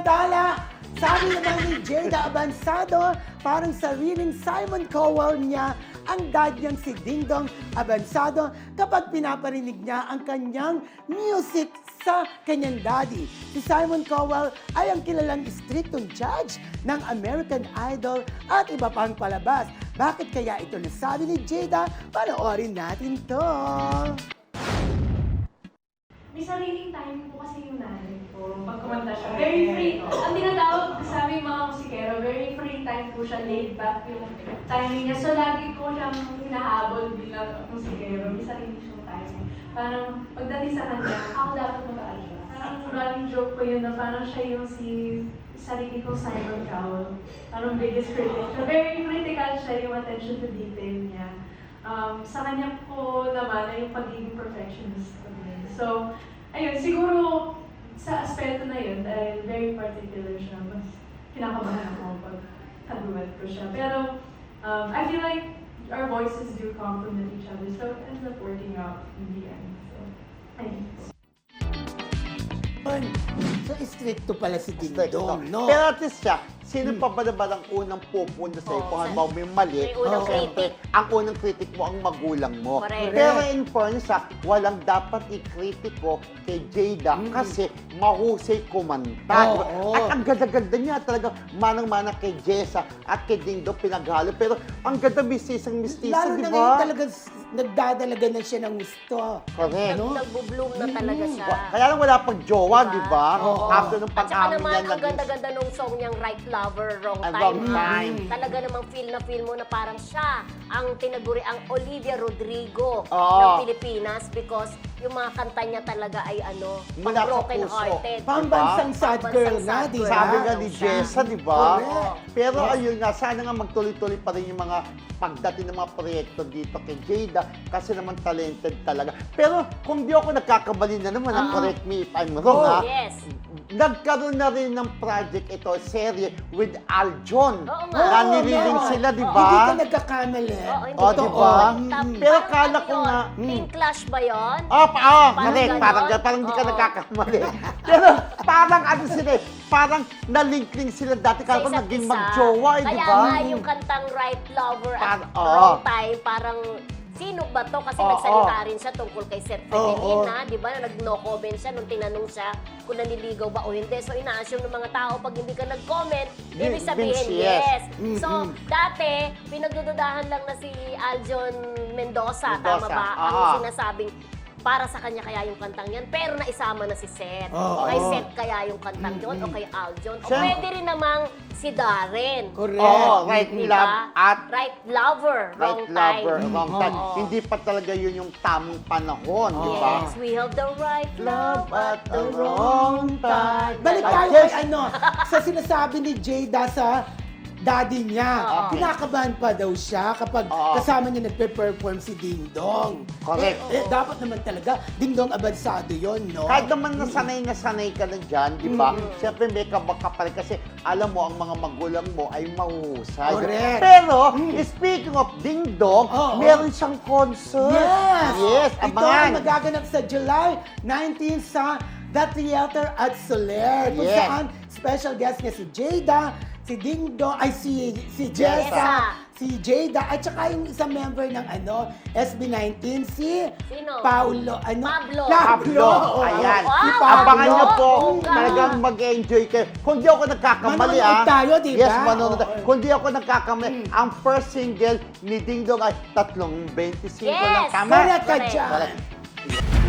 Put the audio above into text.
Samantala, sabi naman ni Jada Abansado, parang sariling Simon Cowell niya ang dad niyang si Dingdong Abansado kapag pinaparinig niya ang kanyang music sa kanyang daddy. Si Simon Cowell ay ang kilalang striktong judge ng American Idol at iba pang palabas. Bakit kaya ito nasabi ni Jada? Panoorin natin to. May sariling timing po kasi yung nanay ko. Pag kumanta siya, very free. Ang tinatawag sa aming mga musikero, very free time po siya, laid back yung timing niya. So lagi ko siyang hinahabol bilang musikero. May sarili siyang timing. Parang pagdating sa kanya, ako dapat mag-aalala. Parang running joke ko yun na parang siya yung sarili kong Simon Cowell. Parang biggest critic. So very critical siya yung attention to detail niya. Sa kanya po naman ay yung pagiging perfectionist ko din. So, ayun, siguro sa aspeto na yun, dahil very particular siya, mas kinakabahan ako pag kaduet ko siya. Pero, I feel like our voices do complement each other, so it ends up working out in the end. So, ayun. So, stricto pala si Strict, Dingdong, no? Pero at least siya, sino pa ba naman ang unang pupunta sa iyo? Kung halimbawa may mali, May unang siyempre, critic. ang unang critic mo ang magulang mo. Correct. Pero in fairness, walang dapat i-kritiko kay Jada kasi mahusay kumanta. Oo. At ang ganda-ganda niya talaga, manang-mana kay Jessa at kay Dingdong pinaghalo. Pero ang ganda mistisang-mistisa, Lalo di na ba? ngayon talaga nagdadalaga na siya ng gusto. Correct. Ano? Nagbo-bloom na talaga siya. Kaya lang wala pang jowa, di ba? Oo. After ng At saka pag-amin naman, niya, ang naging- ganda-ganda nung song niyang Right Lover, Wrong At Time. wrong time. Talaga namang feel na feel mo na parang siya ang tinaguri, ang Olivia Rodrigo Oo. ng Pilipinas because yung mga kanta niya talaga ay Mula sa broken puso. hearted. Pambansang sad girl Pambansang nga, sad di girl. ba? Sabi nga ni Jessa, di ba? Correct. Pero Yes. ayun nga, sana nga magtuloy-tuloy pa rin yung mga pagdating ng mga proyekto dito kay Jada kasi naman talented talaga. Pero kung di ako nagkakamali na naman, correct me if I'm wrong, Oh, ha? Yes. Nagkaroon na rin ng project ito, serye with Aljon. Oo nga. Na Oo, nililing meron. sila, di Hindi ba? ka nagkakamali. Oo, hindi Oh, ko di ba? Tapos, Pero parang kala ano ko yun? nga, Team Clash ba yun? Parang Parang ganon? parang hindi ka Oo. nagkakamali. Pero parang ano sila eh, parang nalink-link sila dati Sa kaya isa't naging isa. mag-jowa eh, di Kaya ba? nga yung kantang Right Lover at Oo. Wrong Time, parang sino ba to? Kasi Oo. nagsalita rin siya tungkol kay Seth Oo. Fedelina, di ba? Na nag-no comment siya nung tinanong siya kung naniligaw ba o hindi. So ina-assume ng mga tao pag hindi ka nag-comment, ibig sabihin means yes. yes. So dati, pinagdududahan lang na si Aljon Mendoza, tama Mendoza, ba? Ang oo. sinasabing para sa kanya kaya yung kantang yan, pero naisama na si Seth. Oo. O kay Seth kaya yung kantang yun, o kay Aljon. O Siya- pwede rin namang si Darren. Correct. Oo, right Di love ba? at Right Lover, Wrong right lover, Time. wrong time. Oo. Hindi pa talaga yun yung tamang panahon, di ba? Yes, we have the right love at the wrong time. Balik I tayo guess- kay sa sinasabi ni Jada sa daddy niya. Oo. Kinakabahan pa daw siya kapag Oo. kasama niya nagpe-perform si Dingdong. Correct. Dapat naman talaga, Dingdong Abansado yon, no? Kahit naman nasanay ka na dyan, di ba? Siyempre may kabaka pa rin kasi alam mo, ang mga magulang mo ay mahuhusay. Correct. Pero, speaking of Dingdong, Oo. meron siyang concert. Yes! Yes, Ito ay abangan. magaganap sa July 19 sa The Theater at Soler. Kung Yes. saan special guest niya si Jada, si Dingdong, ay si Jessa. Jessa, si Jada, at saka yung isang member ng SB19, si Sino? Pablo. Pablo. Oo. Ayan. Wow. Si Pablo. Abangan niyo po, Oo nga. talagang mag-enjoy kayo. Kung di ako nagkakamali, Manonood tayo, di ba? Yes, manonood. Oo. Kung di ako nagkakamali, ang first single ni Dingdong ay 3.25 lang. Yes. Tama? Correct ka Correct. dyan. Correct.